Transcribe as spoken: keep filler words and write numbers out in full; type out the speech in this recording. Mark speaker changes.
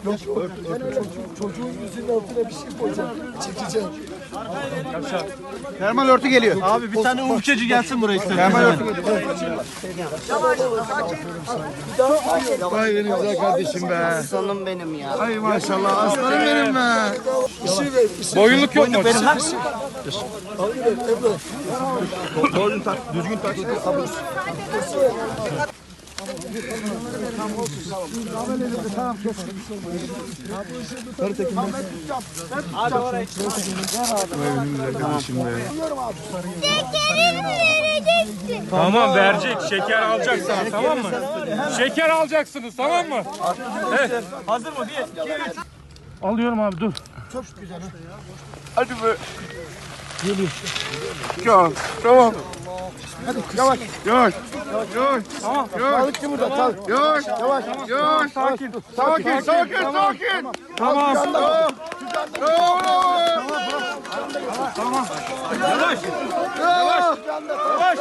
Speaker 1: Yok, ört, ört, ört. Çocuğun yüzünün altına bir şey koyacağım. Çekeceğim.
Speaker 2: Termal örtü geliyor.
Speaker 3: Abi bir tane ufkacı gelsin buraya istedim.
Speaker 2: Termal örtü geliyor.
Speaker 1: Vay benim güzel kardeşim be.
Speaker 4: Aslanım benim ya.
Speaker 1: Ay maşallah aslanım benim be. İşi ver, işi.
Speaker 3: Boyunluk yok mu?
Speaker 1: Benim ha. Alayım Ebru.
Speaker 2: Doğru tak, düzgün tak.
Speaker 5: Tamam verecek. Şeker alacaksınız tamam mı? Şeker alacaksınız tamam mı? Evet.
Speaker 3: Hazır mı? Bir, iki, üç.
Speaker 5: Alıyorum abi dur.
Speaker 2: Hadi be. Geliyor. Ya, tamam. Hadi yavaş. Yavaş. Yavaş. Tamam. Yavaş.
Speaker 1: Balıkçı burada. Tal.
Speaker 2: Yavaş. Yavaş. Yavaş.
Speaker 5: Sakin.
Speaker 2: Sakin. Sakin. Sakin.
Speaker 5: Tamam.
Speaker 2: Bravo. Bravo.
Speaker 5: Tamam.
Speaker 2: Bravo.